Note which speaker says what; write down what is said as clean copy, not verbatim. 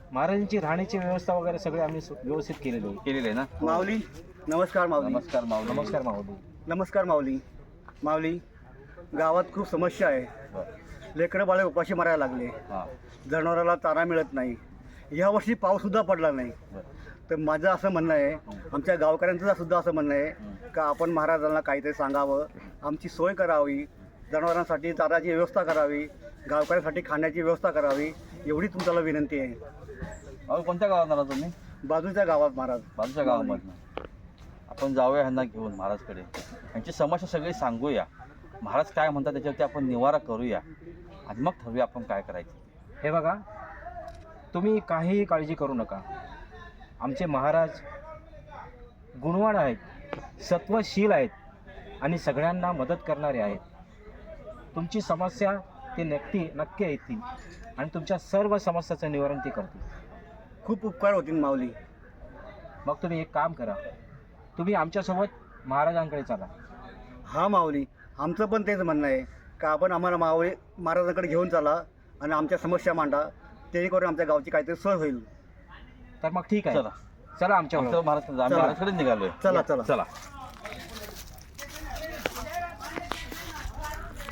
Speaker 1: महाराजांची राहण्याची व्यवस्था वगैरे सगळे आम्ही व्यवस्थित केलेली आहे ना.
Speaker 2: माऊली नमस्कार. माऊली
Speaker 3: नमस्कार माऊली.
Speaker 1: नमस्कार माऊली.
Speaker 2: नमस्कार माऊली. माऊली गावात खूप समस्या आहे.
Speaker 3: बरं.
Speaker 2: लेकरं बाळे उपाशी मारायला लागले.
Speaker 3: हां.
Speaker 2: जनावराला चारा मिळत नाही. यावर्षी पाऊससुद्धा पडला नाही.
Speaker 3: बरं.
Speaker 2: तर माझं असं म्हणणं आहे, आमच्या गावकऱ्यांचं सुद्धा असं म्हणणं आहे का आपण महाराजांना काहीतरी सांगावं, आमची सोय करावी, जनावरांसाठी चाराची व्यवस्था करावी, गावकऱ्यांसाठी खाण्याची व्यवस्था करावी, एवढी तुमच्याला विनंती आहे.
Speaker 3: अहो कोणत्या गावात आला तुम्ही?
Speaker 2: बाजूच्या गावात महाराज.
Speaker 3: बाजूच्या गावामधनं. आपण जाऊया ह्यांना घेऊन महाराजकडे, यांची समस्या सगळी सांगूया, महाराज काय म्हणतात त्याच्यावरती आपण निवारा करूया आणि मग ठरवूया आपण काय करायचं.
Speaker 1: हे बघा, तुम्ही काहीही काळजी करू नका. आमचे महाराज गुणवान आहेत, सत्वशील आहेत आणि सगळ्यांना मदत करणारे आहेत. तुमची समस्या ते नक्की येतील आणि तुमच्या सर्व समस्याचं निवारण ते करतील.
Speaker 2: खूप उपकार होतील माऊली.
Speaker 1: मग तुम्ही एक काम करा, तुम्ही आमच्यासोबत महाराजांकडे चला.
Speaker 2: हां माऊली, आमचं पण तेच म्हणणं आहे का आपण आम्हाला माऊली महाराजांकडे घेऊन चला आणि आमच्या समस्या मांडा, ते करून आमच्या गावची काहीतरी सोय होईल.
Speaker 1: तर मग ठीक आहे,
Speaker 3: चला
Speaker 1: चला आमच्या
Speaker 3: महाराजकडे निघालोय.
Speaker 2: चला.
Speaker 3: चला.